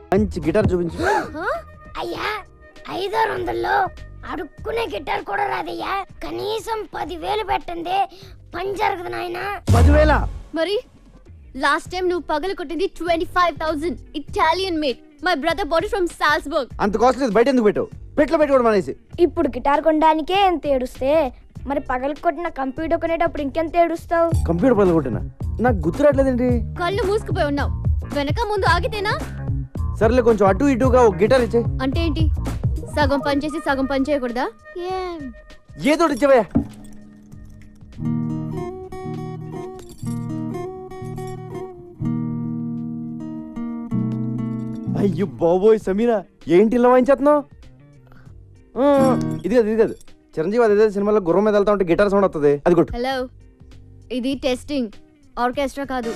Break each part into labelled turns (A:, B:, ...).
A: మంచి గిటార్ చూపించు.
B: అయ్యా 500లో అడుక్కునే గిటార్ కూడా రాదయ్యా. కనీసం 10,000 పెట్టండి, పని జరగదు నాయనా.
A: 10,000?
C: మరి లాస్ట్ టైం నువ్వు పగలు కొట్టింది 25,000 Italian made. My brother bought it from Salzburg.
A: అంత కాస్ట్ లేదు, బయట ఎందుకు పెట్టావు? పెట్లో పెట్టుకోవడం అనేసి.
B: ఇప్పుడు గిటార్ కొనడానికే ఎంత ఏడుస్తే మరి పగలు కొట్టిన కంప్యూటర్ కొనేటప్పుడు ఇంకెంత ఏడుస్తావు?
A: కంప్యూటర్ పగలు కొట్టినా? నాకు గుర్తు రావట్లేదండి.
C: కళ్ళు మూసుకుపోయి ఉన్నావు. వెనక ముందు ఆగితేనా?
A: సర్లే, కొంచెం అటు ఇటుగా ఒక గిటార్ ఇచ్చే.
C: అంటే ఏంటి? సగం పని చేసి సగం పని చేయకూడదా?
A: ఏదో ఇచ్చేవయ్యా. అయ్యో బాబోయ్ సమీరా, ఏంటి ఇలా వాయించేస్తున్నావు? ఇది కాదు చిరంజీవి అదే సినిమాలో గుర్రం మీద వెళ్తా ఉంటే గిటార్ సౌండ్ వస్తుంది, అది కొట్టు.
C: హలో, ఇది టెస్టింగ్, ఆర్కెస్ట్రా కాదు.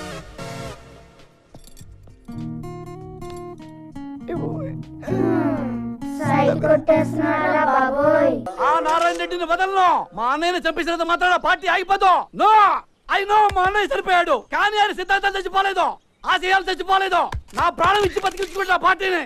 D: ఆ నారాయణ రెడ్డిని వదలను. మా అన్నయ్యని చంపేసినంత మాత్రాన పార్టీ ఆగిపోదు. నో, ఐ నో, మా అన్నయ్య చనిపోయాడు కానీ ఆయన సిద్ధాంతాలు చచ్చిపోలేదు, ఆశయాలు చచ్చిపోలేదు. నా ప్రాణం ఇచ్చి బతికించుకుంటా పార్టీని.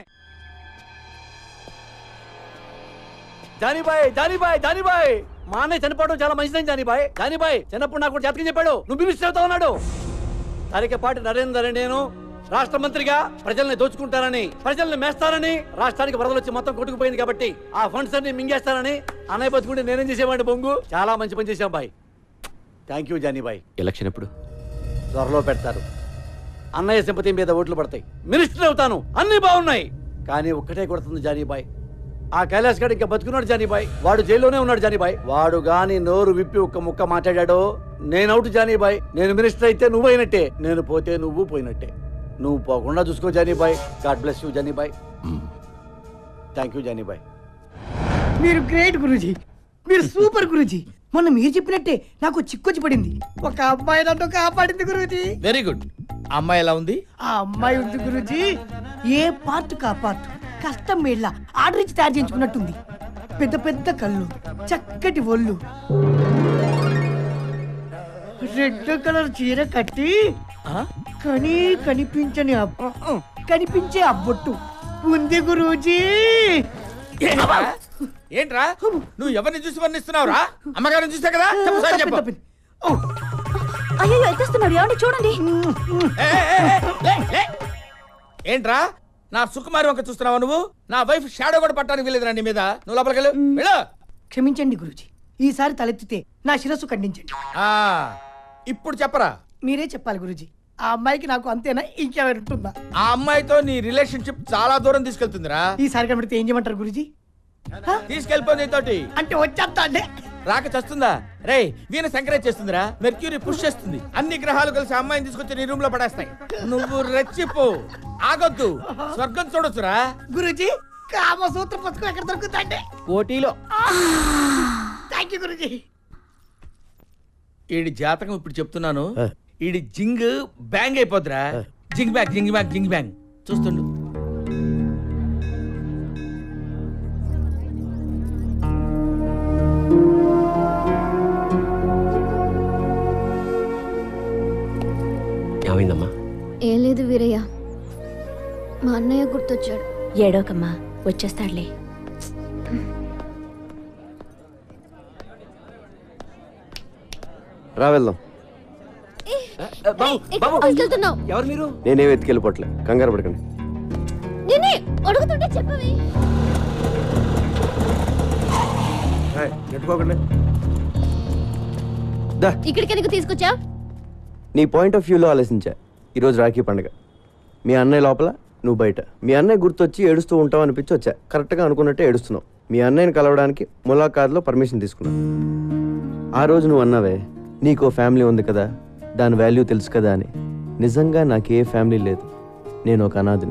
D: జానీబాయ్, మా అన్నయ్య చనిపోవడం చాలా మంచిదని జానీబాయ్ చిన్నప్పుడు నాకు జాతకం చెప్పాడు, నువ్వు మినిస్టర్ అవుతా ఉన్నాడు. తరికపాటి నరేందర్ నేను రాష్ట్ర మంత్రిగా ప్రజల్ని దోచుకుంటారని, ప్రజల్ని మేస్తారని, రాష్ట్రానికి వరదలు వచ్చి మొత్తం కొట్టుకుపోయింది కాబట్టి ఆ ఫండ్స్ అన్ని మింగేస్తారని అన్నయ్య బతుకుంటే నేనేం చేసేవాడిని బొంగు. చాలా మంచి పని చేశాం బాయ్. థ్యాంక్ యూ జానీబాయ్.
E: ఎలక్షన్ ఎప్పుడు?
D: త్వరలో పెడతారు. అన్నయ్య సింపతి మీద ఓట్లు పడతాయి, మినిస్టర్ అవుతాను, అన్ని బాగున్నాయి. కానీ ఒక్కటే కొడుతుంది జానీబాయ్, ఆ కైలాస్ గారు ఇంకా బతుకున్నాడు జానీబాయ్. వాడు జైల్లోనే ఉన్నాడు జానీబాయ్. వాడు గాని నోరు విప్పి ఒక్క ముక్క మాట్లాడాడో నేను అవుట్ జానీబాయ్. నేను మినిస్టర్ అయితే నువ్వు అయినట్టే, నేను పోతే నువ్వు పోయినట్టే. నువ్వు పోకుండా చూసుకో జానీబాయ్. గాడ్ బ్లెస్ యూ జానీబాయ్. థ్యాంక్ యూ జానీబాయ్.
F: మీరు గ్రేట్ గురూజీ, మీరు సూపర్ గురూజీ. మొన్న మీరు చెప్పినట్టే నాకు చిక్కొచ్చి పడింది. ఒక అమ్మాయి నన్ను కాపాడింది గురూజీ.
E: Very good. అమ్మాయి ఎలా ఉంది?
F: ఆ అమ్మాయి ఉంది గురూజీ, ఏ పార్ట్ కా పార్ట్ కష్టం మేళ్ళ ఆర్డర్ ఇచ్చి తయారు చేయించుకున్నట్టుంది. పెద్ద పెద్ద కళ్ళు, చక్కటి ఒళ్ళు, రెడ్ కలర్ చీర కట్టి కనిపించే అబ్బొట్టు ఉంది గురూజీ.
E: ఏంట్రా నువ్వు ఎవరిని చూసి వర్ణిస్తున్నావురా? అమ్మగారిని చూసా కదా. చెప్పు.
C: అయ్యో ఎత్తేస్తున్నాడు, ఏమండి చూడండి.
E: ఏంట్రా నా సుకుమారి వంక చూస్తున్నావా నువ్వు? నా వైఫ్ షాడో కూడా పట్టడానికి వెళ్ళేదిరా నీ మీద. నువ్వు లోపలికి
F: క్షమించండి గురూజీ, ఈసారి తలెత్తితే నా శిరస్సు ఖండించండి.
E: ఇప్పుడు చెప్పరా?
F: మీరే చెప్పాలి గురూజీ. ఆ అమ్మాయికి నాకు అంతేనా, ఇంకెవరు ఉంటుందా?
E: ఆ అమ్మాయితో నీ రిలేషన్షిప్ చాలా దూరం తీసుకెళ్తుందిరా.
F: ఈసారి కనబడితే ఏం చేయమంటారు గురూజీ?
E: తీసుకెళ్ళిపోయి నీతోటి.
F: అంటే వచ్చేస్తా అండి.
E: రాక చస్తుందా? రే వీణ సంక్రేజ్ చేస్తుందిరా, మెర్క్యూరీ పుష్ చేస్తుంది. అన్ని గ్రహాలు కలిసి అమ్మాయిని తీసుకొచ్చి నీ రూమ్ లో పడేస్తాయి. నువ్వు రెచ్చిపో, ఆగొద్దు, స్వర్గం చూడొచ్చురా.
F: గురూజీ కామసూత్ర పుస్తకం ఎక్కడ దొరుకుతాండి?
E: కోటిలో.
F: Thank you Guruji.
E: ఈడి జాతకం ఇప్పుడు చెప్తున్నాను, ఈడి జింగ్ బ్యాంగ్ అయిపోద్దిరా. జింగ్ బ్యాంగ్ జింగ్ బ్యాంగ్ జింగ్ బ్యాంగ్ చూస్తుండు.
G: ఏమైందమ్మా?
C: ఏం లేదు వీరయ్య, మా అన్నయ్య గుర్తొచ్చాడు.
H: ఏడోకమ్మా, వచ్చేస్తాడులే.
A: రా వెళ్దాం.
D: ఎవరు మీరు?
A: నేనేం ఎత్తుకెళ్ళిపోవట్లే, కంగారు పడకండి.
C: నేనే అడుగుతుంటే చెప్పవే. ఇక్కడికి ఎందుకు తీసుకొచ్చా?
A: నీ పాయింట్ ఆఫ్ వ్యూలో ఆలోచించా. ఈరోజు రాఖీ పండుగ, మీ అన్నయ్య లోపల, నువ్వు బయట. మీ అన్నయ్య గుర్తొచ్చి ఏడుస్తూ ఉంటావు అనిపించి వచ్చా. కరెక్ట్గా అనుకున్నట్టే ఏడుస్తున్నావు. మీ అన్నయ్యని కలవడానికి ములాఖాత్లో పర్మిషన్ తీసుకున్నావు. ఆ రోజు నువ్వు అన్నావే, నీకో ఫ్యామిలీ ఉంది కదా, దాని వాల్యూ తెలుసు కదా అని. నిజంగా నాకు ఏ ఫ్యామిలీ లేదు, నేను ఒక అనాథిని.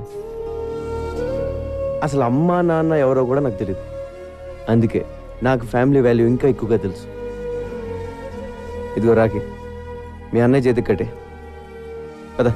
A: అసలు అమ్మా నాన్న ఎవరో కూడా నాకు తెలియదు. అందుకే నాకు ఫ్యామిలీ వాల్యూ ఇంకా ఎక్కువగా తెలుసు. ఇదిగో రాఖీ, మీ అన్నయ్య చేతికి కట్టే కదా.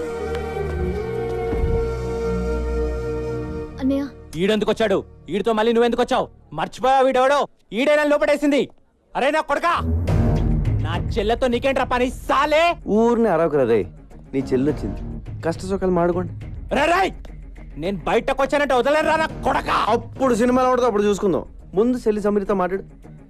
C: అన్నయ్య
G: ఈడెందుకు వచ్చాడు? ఈడితో మళ్ళీ నువ్వెందుకు వచ్చావు? మర్చిపోయావు, వీడెవడో ఈడైనా లోపడేసింది. అరే నా కొడకా, నా చెల్లెతో నీకేంట్రా పని సాలే?
A: ఊరిని అరవకురా రే, నీ చెల్లి వచ్చింది, కష్ట సుఖాలు మాడుకోండి.
G: రాయ్, నేను బయటకు వచ్చానంటే వదలరా నా కొడక.
A: అప్పుడు సినిమాలో పడితే అప్పుడు చూసుకుందాం. ముందు చెల్లి సమీరతో మాట్లాడు.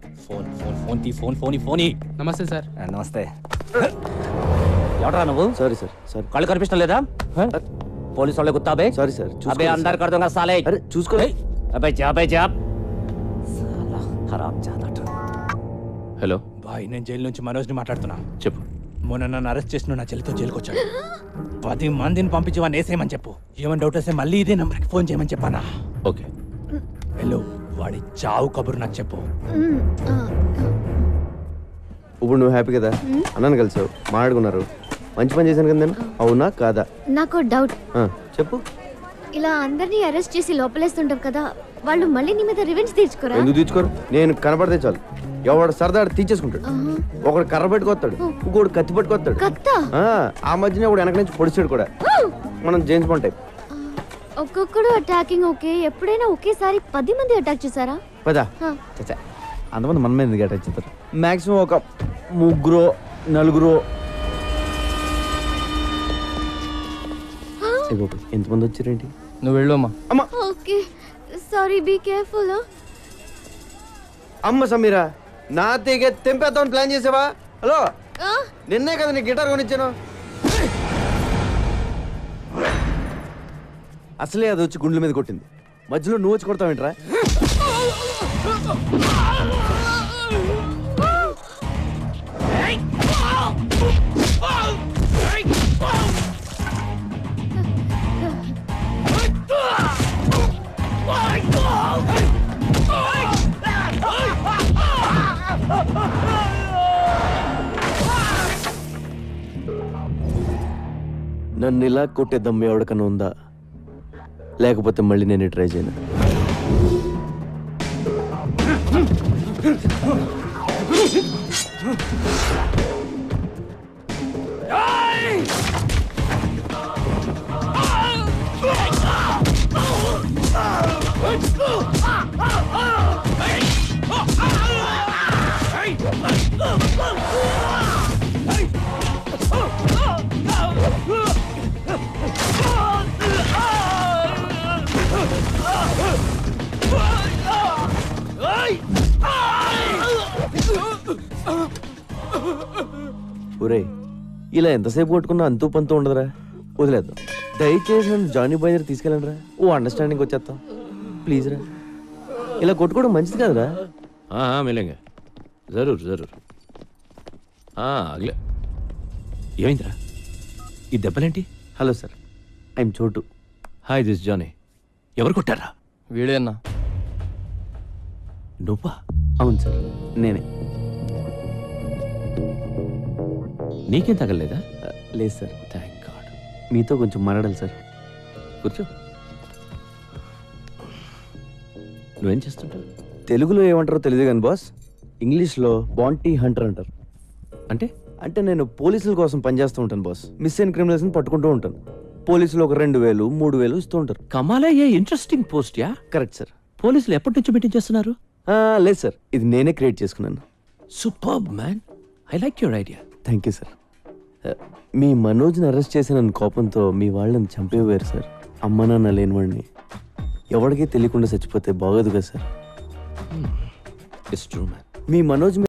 G: ఫోన్.
I: నమస్తే సార్.
G: నమస్తే. ఎవడరా నువ్వు?
A: Sorry sir, sorry.
G: కళ్ళు కనిపించడం లేదా? పోలీసు వాళ్ళే గుత్తాబే.
A: సారీ సార్,
G: అబే అందరు కడతాం సాలే.
A: అరే చూసుకో.
G: అబే జాబ్ సాలా హరామ్ జాదట.
J: హలో
G: బాయ్, నేను జైలు నుంచి మనోజ్ని మాట్లాడుతున్నా.
J: చెప్పు.
G: మొన్న నన్ను అరెస్ట్ చేసిన నా చెల్లితో జైలుకి వచ్చాడు. 10 మందిని పంపించి వాడిని వేసేయమని చెప్పు. ఏమైనా డౌట్ వస్తే మళ్ళీ ఇదే నంబర్కి ఫోన్ చేయమని చెప్పానా?
J: ఓకే.
G: హలో, వాడి చావు కబురు నాకు చెప్పు.
A: ఇప్పుడు నువ్వు హ్యాపీ కదా? అన్నాను కలిసావు, మాట్లాడుకున్నారు, మంచి పని చేశాను కదా నేను. అవునా కాదా?
C: నాకు డౌట్.
A: చెప్పు.
C: ఇలా అందరినీ అరెస్ట్ చేసి లోపలేస్తుంటాం కదా, వాళ్ళు మళ్ళీ నీ మీద రివెంజ్ తీర్చుకోరా?
A: ఎందుకు తీర్చుకోరు? నేను కనపడితే చాలు ఎవడు సరదా తీర్చేసుకుంటాడు. ఒకడు కర్ర పెట్టుకొస్తాడు, ఇంకోడు కత్తి పట్టుకొస్తాడు.
C: కత్తా?
A: ఆ మధ్యన ఒకడు వెనక నుంచి పొడిచాడు కూడా. మనం జేమ్స్ బాండ్ టైప్.
C: ఒక్కొక్కడు అటాకింగ్ ఓకే, ఎప్పుడైనా ఒకేసారి 10 మంది అటాక్ చేశారా?
A: పదా చచ్చా, అంతమంది మన మీద ఎందుకు అటాక్ చేస్తారు? మాక్సిమం ఒక 3-4. ఎంతమంది వచ్చారేంటి?
I: నువ్వు వెళ్ళమ్మా.
A: అమ్మ
C: ఓకే సారీ, బీ కేర్ఫుల్.
A: అమ్మ సమీరా, నా తీగ తెంపేద్దామని ప్లాన్ చేసావా? హలో, నిన్నే కదా నీ గిటార్ కొనిచ్చాను. అసలే అది వచ్చి గుండెల మీద కొట్టింది, మధ్యలో నువ్వు వచ్చి కొడతావేంట్రా? నన్ను ఇలా కొట్టే దమ్ము ఎవరికన్నా ఉందా? లేకపోతే మళ్ళీ నేను ట్రై చేయను. ఒరే, ఇలా ఎంతసేపు కొట్టుకున్నా అంతూ పంతూ ఉండదురా, వదిలేద్దాం. దయచేసి నన్ను జానీ బాయ్ దగ్గర తీసుకెళ్ళండి రా. ఓ అండర్స్టాండింగ్ వచ్చేస్తాం ప్లీజ్ రా. ఇలా కొట్టుకోవడం మంచిది కాదురా.
J: మిలేంగా జరూర్ జరూర్. అగలే. ఏమైందిరా ఈ దెబ్బలేంటి?
A: Hello sir, I'm Chotu.
J: Hi, this Johnny. ఎవరు కొట్టారా?
I: వీడే అన్నా.
J: నువ్వా?
A: అవును సార్, నేనే.
J: నీకేం తగలలేదా?
A: లేదు సార్.
J: Thank God.
A: మీతో కొంచెం మాట్లాడాలి సార్.
J: కూర్చో. నువ్వేం చేస్తుంటావు?
A: తెలుగులో ఏమంటారో తెలియదు కానీ బాస్, ఇంగ్లీష్లో బాంటీ హంటర్ అంటారు.
J: అంటే
A: అంటే నేను పోలీసుల కోసం పనిచేస్తూ ఉంటాను బాస్. మిస్ అయిన క్రిమినల్స్ని పట్టుకుంటూ ఉంటాను. పోలీసులు ఒక 2,000, 3,000 ఇస్తూ ఉంటారు.
J: కమాలా, a interesting post yeah.
A: Correct sir.
J: పోలీసులు ఎప్పటి నుంచి మీటింగ్ చేస్తున్నారు?
A: లేదు సార్, ఇది నేనే క్రియేట్ చేసుకున్నాను.
J: Superb man, I like your idea.
A: Thank you sir. మీ మనోజ్ని అరెస్ట్ చేసిన కోపంతో మీ వాళ్ళని చంపేవారు సార్. అమ్మ నాన్న లేనివాడిని ఎవరికీ తెలియకుండా చచ్చిపోతే బాగోదు కదా సార్.
J: It's true man.
A: మీ మనోజ్